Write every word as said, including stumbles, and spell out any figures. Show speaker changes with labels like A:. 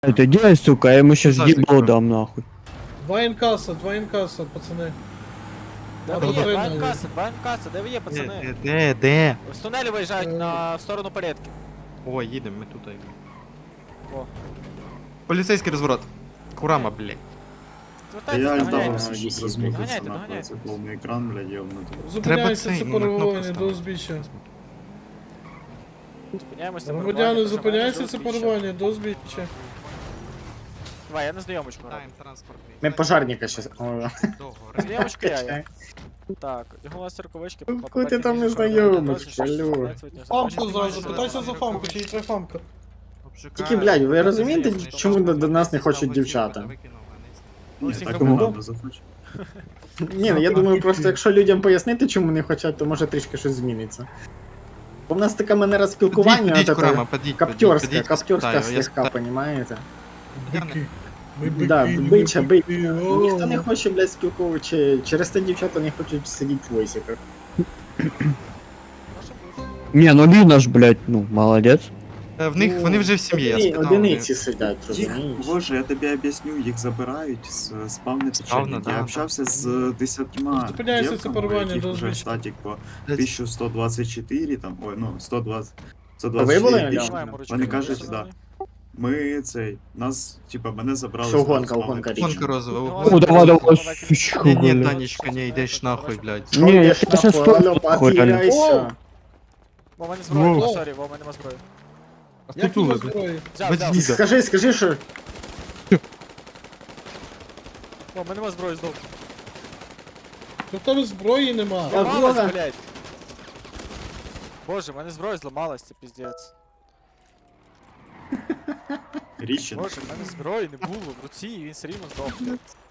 A: Это делай, сука, я ему сейчас
B: Зазик,
A: ебало
B: бро.
A: дам нахуй.
C: Два інкаса, два інкаса, пацани.
D: Де
C: А
D: ви
C: то
D: є?
C: три
D: Два
C: навіть.
D: МКС, два МКС, де ви є,
B: Де,
D: пацани?
B: де, де, де?
D: З тунелю виїжджають
C: Е.
D: на в сторону порядки.
B: О, їдемо, ми тут.
D: О.
B: Поліцейський розворот. Курама, блядь.
D: Звертайтесь,
E: Я
D: доганяйте.
E: ждал,
D: Доганяйте,
E: размутиться на
D: доганяйте.
E: це повний екран, блядь, ёбнути.
C: Зупиняйся,
B: цей,
C: це
B: ну, на кнопку
C: перебування до
B: ставити.
C: узбіччя.
D: Зупиняємося.
C: Громадяни, зупиняйся, це перебування до узбіччя.
D: Давай, я на знайомочку граю.
B: Тайм транспортний.
E: Ми пожарника щас. О,
B: Довго.
D: Знайомочка я, я. Так, його у вас рукавички.
E: Ну, куди ти там не знайомиш, алло.
C: Фамку зразу, питайся за фамку, чи є треба фамка.
E: Тільки, блядь, ви розумієте, чому до, до нас не хочуть дівчата?
D: Ну,
E: Ні,
D: всіх
E: так
D: робимо.
E: не надо захочу. Ні, ну я думаю, просто якщо людям пояснити, чому не хочуть, то може трішки щось зміниться. Бо в нас така манера спілкування,
B: Підіть,
E: от
B: Курама,
E: это,
B: підіть,
E: каптёрська,
B: підіть,
E: каптёрська
B: спитаю, я
E: слегка, понімаєте?
C: Бики. Ми
E: Да,
C: бики,
E: бича,
C: ми
E: бича.
C: бики,
E: Ніхто не
C: о.
E: хоче, блядь, спілкуватися, через те дівчата не хочуть сидіти в войсиках.
A: Не, ну Лина ж, блядь, ну, молодец.
B: Е, В них, вони вже в сім'ї, я
E: Одини-
B: спитав.
E: Одиниці сидять,
F: Їх,
E: розумієш?
F: боже, я тобі об'ясню, їх забирають з спавни
B: Спавна,
F: печатники.
B: да,
F: Я
B: да.
F: общався з десятьма
C: Зупиняйся, це
F: дівками, у
C: порвання
F: яких
C: до
F: вже
C: узбіччя.
F: статік по тисяча сто двадцять чотири, там, ой, ну, сто двадцять, сто
E: А ви
F: двадцять
E: були,
F: чотири
E: Ілля?
F: тисячі.
D: Маємо ручки.
F: Вони кажуть,
D: Розсунули.
F: да. Ми цей, нас, типа, мене забрали
E: Що
F: з
E: гонка,
F: спавни
E: гонка
F: печатники.
B: Гонка розова.
D: Ну,
A: О, давай, давай,
D: Давай,
A: сучка,
B: Ні, ні,
A: блядь.
B: Танечка, не йдеш нахуй, блядь.
E: Що
A: Ні, я
E: йдеш
A: щас
E: нахуй,
A: сто-
E: алло,
A: Охуй, реально.
E: потеряйся.
D: Во, мене зброя,
B: Во.
D: о, сорі, во, мене зброя.
C: Як
B: Тут
C: його
B: блядь.
C: зброї?
D: Взяв,
B: Без
D: взяв.
B: діда.
E: Скажи, скажи, що...
D: О, мене нема зброї здов.
C: То в тебе зброї нема.
E: Я
D: Зламалась,
E: Вова.
D: блядь. Боже, мене зброя зламалась, це піздець.
F: Ріщин.
D: Боже, в мене зброї не було в руці, і він все рівно здох, блядь.